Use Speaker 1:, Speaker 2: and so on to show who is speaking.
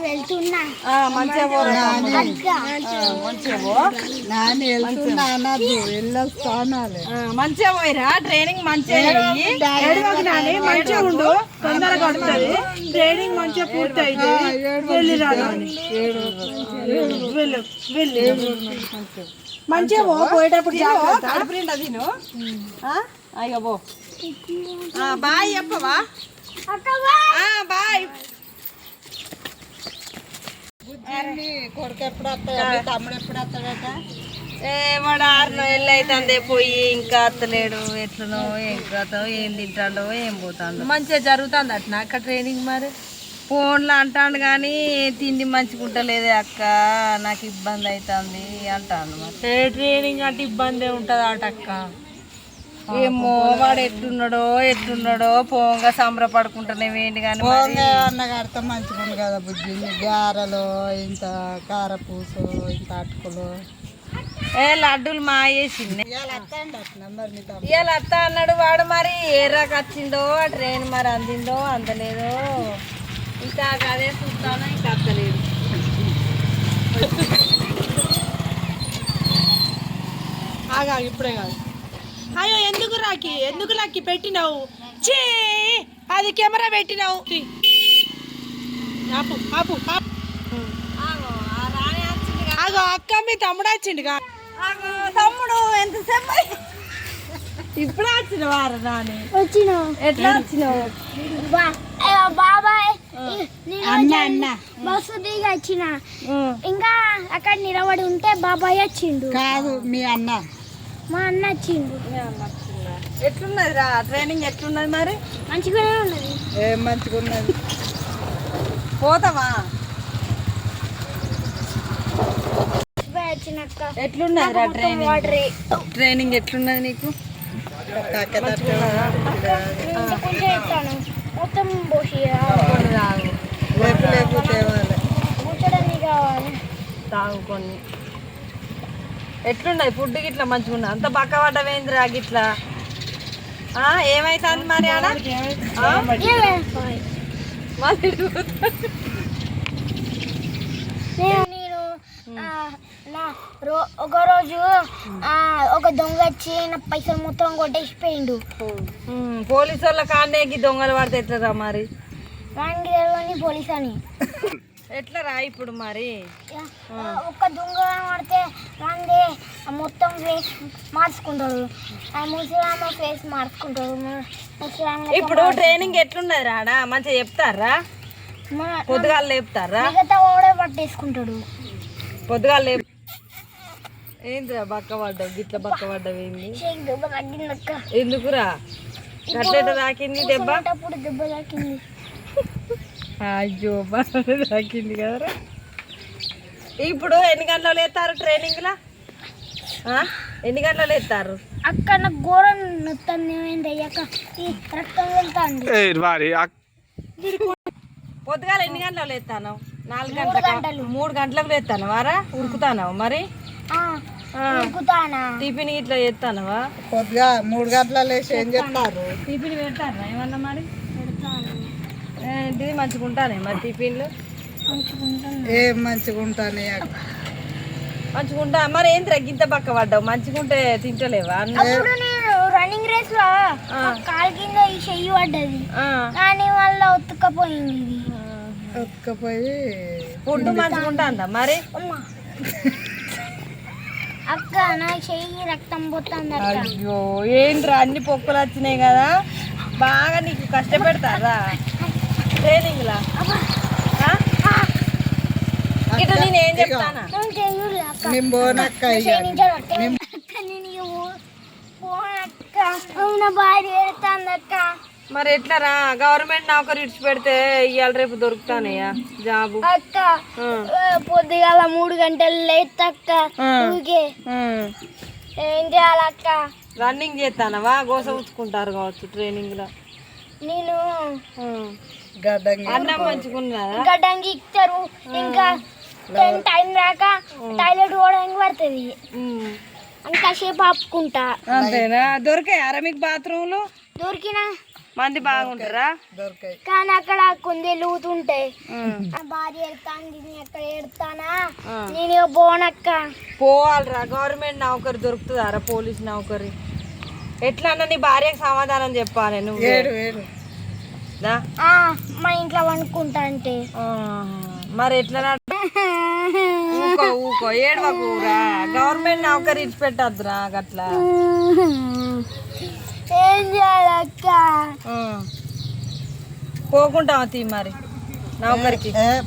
Speaker 1: వెళ్తున్నా
Speaker 2: మంచిగా మంచిగా పోయిరా ట్రైనింగ్ మంచిగా ఉండు తొందరగా పడుతుంది ట్రైనింగ్ మంచిగా పూర్తి అయితే వెళ్ళిరా వెళ్ళు మంచిగా పోయేటప్పుడు తిను అయ్యో పో బాయ్ చెప్పవా బాయ్
Speaker 3: కొడుకు ఎప్పుడు వస్తాడు తమ్ముడు ఎప్పుడు వస్తాడట
Speaker 2: వాడు 6 నెలలు అవుతుంది పోయి ఇంకా అత్తలేడు ఎట్లనో ఏం కథో ఏం తింటాడో ఏం పోతాడో మంచిగా జరుగుతుంది అట్లా అక్క ట్రైనింగ్ మరి ఫోన్లో అంటాడు కానీ తిండి మంచిగుంటలేదే అక్క నాకు ఇబ్బంది అవుతుంది అంటాడు మరి ట్రైనింగ్ అంటే ఇబ్బంది ఉంటుంది అటక్క ఏమో వాడు ఎట్లున్నాడో పోంగా సంబరపడుకుంటానే వేయండి కానీ
Speaker 3: అన్నగారితో మంచిగా ఉంది కదా బుద్ధి గారెలు ఇంత కారపూసు ఇంత అటుకులు
Speaker 2: లడ్డూలు మాయేసింది ఇవాళ అత్త అన్నాడు వాడు మరి ఏ రాక వచ్చిందో ఆ ట్రైన్ మరి అందిందో అందలేదో ఇంకా అదే చూస్తానో ఇంకా అత్తలేదు ఇప్పుడే కాదు అయ్యో ఎందుకు రాకి పెట్టినావు చీ అది కెమెరా పెట్టినావు అగో అక్క మీ తమ్ముడు వచ్చిండుగా తమ్ముడు ఎంతసేపు ఇప్పుడు వచ్చినవారు రాని ఎట్లా వచ్చినావు
Speaker 1: బాబాయ్ బస్సు దిగి వచ్చిన ఇంకా అక్కడ నిలబడి ఉంటే బాబాయ్ వచ్చిండు
Speaker 3: కాదు మీ అన్న
Speaker 1: మా అన్న వచ్చిండు
Speaker 2: ఎట్లున్నది రా ట్రైనింగ్ ఎట్లున్నది మరి
Speaker 1: మంచిగానే ఉన్నది
Speaker 3: ఏం మంచిగా ఉన్నది
Speaker 2: పోతావా ఎట్లున్నది రా ట్రైనింగ్ ఎట్లున్నది నీకు
Speaker 1: మొత్తం
Speaker 2: తాగు కొన్ని ఎట్లున్నది ఫుడ్ గిట్లా మంచిగా ఉన్నది అంత బక్క పడ్డవేంద్రా గిట్లా ఏమైతుంది మరి ఆడ
Speaker 1: ఒక రోజు ఒక దొంగ వచ్చి నా పైసలు మొత్తం కొట్టేసిపోయిండు
Speaker 2: పోలీసు వాళ్ళ కాండేకి దొంగలు పడితే ఎట్లరా మరి
Speaker 1: వానికి తెలియని పోలీస్ అని
Speaker 2: ఎట్లా రా ఇప్పుడు మరి
Speaker 1: ఒక్క దొంగ పడితే వాంది మొత్తం ఫేస్ మార్చుకుంటారు ముసలామ ఫేస్ మార్చుకుంటారు
Speaker 2: ఇప్పుడు ట్రైనింగ్ ఎట్లున్నది రాడా మంచిగా చెప్తారా పొద్దుగాలు లేపుతారా
Speaker 1: మిగతా ఓడే పట్టేసుకుంటాడు
Speaker 2: పొద్దుగాలు లేపు ఏంటిరా బక్క పడ్డావు గిట్ల బక్క పడ్డావు ఏంది ఎందుకురా కట్లెట తాకింది దెబ్బ
Speaker 1: దెబ్బ తాకింది
Speaker 2: అయ్యో బాగా తాకింది కదరా ఇప్పుడు ఎన్ని గంటలు వేస్తారు ట్రైనింగ్లా ఎన్ని గంటలు వేస్తారు
Speaker 1: అక్క నాకు ఘోరం నొత్తంది ఏమైంది అయ్యాక ఈ రక్తం వెళ్తాంది
Speaker 2: పొద్దుగాల ఎన్ని గంటలు వేస్తాను 4 గంటలకు 3 గంటలకు వేస్తాను వారా ఉరుకుతాను మరి టిఫిన్ ఇట్లా చేస్తానవా
Speaker 3: కొద్దిగా 3 గంటల లేచి ఏం చెప్తారు
Speaker 2: టిఫిన్ పెడతారా ఏమన్నా మరి ఇది మంచిగా ఉంటానే మరి టిఫిన్లు
Speaker 3: ఏం మంచిగా ఉంటానే
Speaker 2: మంచిగా ఉంటా మరి ఏం తగ్గింత పక్క పడ్డావు మంచిగా ఉంటే తింటలేవా
Speaker 1: రన్నింగ్ రేస్ లో కాలు కింద ఈ చెయ్యి పడ్డది కానీ వల్ల ఒత్తుకపోయింది
Speaker 3: ఒత్తుకపోయి
Speaker 2: ఫుడ్ మంచిగా ఉంటుందా మరి
Speaker 1: అక్క నా చెయ్యి రక్తం పోతుంది
Speaker 2: అయ్యో ఏంట్రా అన్ని పొక్కులు వచ్చినాయి కదా బాగా నీకు కష్టపెడతారా ట్రైనింగ్ లా ఇటు నేను ఏం చెప్తానా మరి ఎట్లారా గవర్నమెంట్ నౌకరీ ఇడిచి పెడితే ఇవాళ రేపు దొరుకుతానయ్యా జాబు
Speaker 1: అక్క పొద్దుగాల 3 గంటలు లేదక్క ఏం చేయాలక్క
Speaker 2: రన్నింగ్ చేస్తానవా గోస ఉంచుకుంటారు కావచ్చు ట్రైనింగ్ లో
Speaker 1: నేను
Speaker 2: అన్నం మంచుకున్నా
Speaker 1: గడ్డంగి ఇస్తారు ఇంకా టైం రాక టాయిలెట్ పోవడానికి పడుతుంది అంతసేపు ఆపుకుంటా
Speaker 2: అంతేనా దొరికాయారా మీకు బాత్రూమ్లు
Speaker 1: దొరికినా
Speaker 2: మంది బాగుంటారా
Speaker 3: దొరకాయి.
Speaker 1: కానీ అక్కడ కుందేలు ఊతుంటాయి. నా భార్య ఎడతాను, నేను ఎక్కడ ఎడతానా, నేను ఇక పోనక్క.
Speaker 2: పోవాలరా, గవర్నమెంట్ నౌకరి దొరుకుతుందారా, పోలీస్ నౌకరి. ఎట్లా అన్న నీ భార్యకు సమాధానం చెప్పాలి నువ్వు.
Speaker 3: ఏడు ఏడు
Speaker 2: దా.
Speaker 1: మా ఇంట్లో వండుకుంటా అంటే
Speaker 2: మరి ఎట్లా ఊకో ఊకో ఏడవకూరా, గవర్నమెంట్ నౌకరి ఇచ్చి పెట్టద్దురా అట్లా.
Speaker 1: ఏం చేయాలక్క?
Speaker 2: పోకుంటావా తీ మరి నౌకరికి.